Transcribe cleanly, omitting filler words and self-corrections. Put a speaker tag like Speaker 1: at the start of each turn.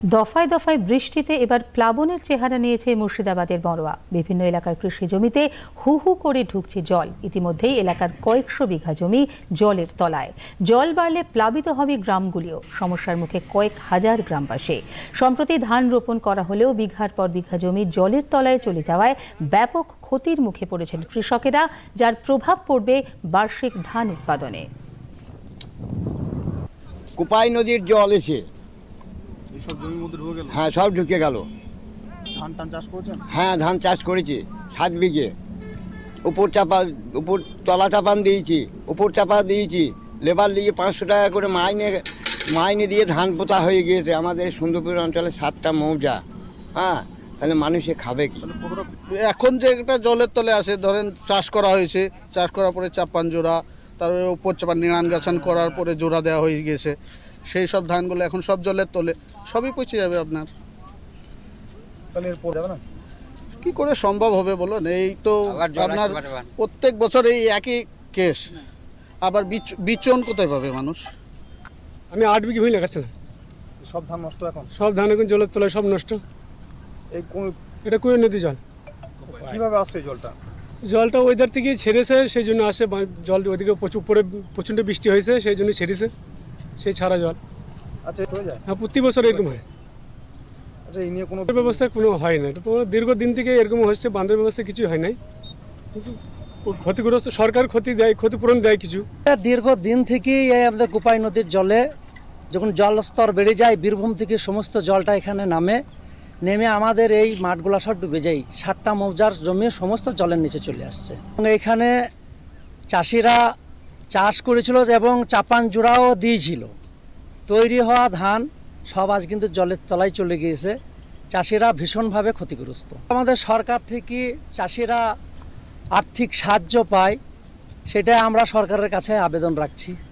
Speaker 1: দফায় দফায় বৃষ্টিতে এবার প্লাবনের চেহারা নিয়েছে মুর্শিদাবাদের বড়োয়া। বিভিন্ন এলাকার কৃষি জমিতে হু হু করে ঢুকছে জল। ইতিমধ্যেই এলাকার কয়েকশো বিঘা জমি জলের তলায়। জল বাড়লে প্লাবিত হবে গ্রামগুলিও। সমস্যার মুখে কয়েক হাজার গ্রামবাসী। সম্প্রতি ধান রোপণ করা হলেও বিঘার পর বিঘা জমি জলের তলায় চলে যাওয়ায় ব্যাপক ক্ষতির মুখে পড়েছেন কৃষকেরা, যার প্রভাব পড়বে বার্ষিক ধান উৎপাদনে।
Speaker 2: কোপাই নদীর জল এসে হ্যাঁ সব ঢুকে গেল।
Speaker 3: ধান চাষ করেছেন?
Speaker 2: হ্যাঁ ধান চাষ করেছি 7 বিঘে। উপর তলা চাপান দিয়েছি, উপর চাপা দিয়েছি। লেবার লিগে 500 টাকা করে মাইনে দিয়ে ধান পোতা হয়ে গিয়েছে। আমাদের সুন্দরপুর অঞ্চলে 7টা মৌজা। হ্যাঁ, তাহলে মানুষে খাবে কি?
Speaker 3: এখন যে একটা জলের তলে আসে, ধরেন চাষ করা হয়েছে, চাষ করার পরে চাপান জোড়া, তারপরে উপর চাপান নিড়ান গাছান করার পরে জোড়া দেওয়া হয়ে গেছে। সেই সব ধানগুলো এখন সব জলের তলে, সবই পচে যাবে আপনার। কি করে সম্ভব হবে বলুন? এই তো আপনার প্রত্যেক বছর এই একই কেস। আবার বিচন কোথায় পাবে মানুষ?
Speaker 4: আমি 8 বিঘে ভুঁই লাগাচ্ছিলাম।
Speaker 3: সব ধান নষ্ট এখন?
Speaker 4: সব ধান এখন জলের তলায় সব নষ্ট।
Speaker 3: এই
Speaker 4: এটা কুয়ে নদী জল।
Speaker 3: কিভাবে আসছে
Speaker 4: জলটা ওইধার থেকে ছেড়েছে, সেই জন্য আসে। জল ওইদিকে উপরে প্রচণ্ড বৃষ্টি হয়েছে, সেই জন্য ছেড়েছে, সেই ছাড়া জল।
Speaker 3: আচ্ছা, হয়ে যায়?
Speaker 4: হ্যাঁ, প্রতি বছর এরকম হয়।
Speaker 3: আচ্ছা, এই নিয়ে কোনো
Speaker 4: ব্যবস্থা কোনো হয় না। তো দীর্ঘদিন থেকে এরকম হচ্ছে, বাঁধের ব্যবস্থা কিছু হয় নাই। কিন্তু ক্ষতিগ্রস্ত সরকার ক্ষতিপূরণ দেয় কিছু।
Speaker 5: দীর্ঘদিন থেকেই এই আমাদের কোপাই নদীর জলে যখন জলস্তর বেড়ে যায়, বীরভূম থেকে সমস্ত জলটা এখানে নেমে আমাদের এই মাঠগুলো সব ডুবে যায়। 7টা মৌজার জমি সমস্ত জলের নিচে চলে আসছে। এবং এখানে চাষিরা চাষ করেছিল এবং চাপান জোড়াও দিয়েছিল। তৈরি হওয়া ধান সব আজ কিন্তু জলের তলায় চলে গিয়েছে। চাষিরা ভীষণভাবে ক্ষতিগ্রস্ত। আমাদের সরকার থেকে চাষিরা আর্থিক সাহায্য পায়, সেটা আমরা সরকারের কাছে আবেদন রাখছি।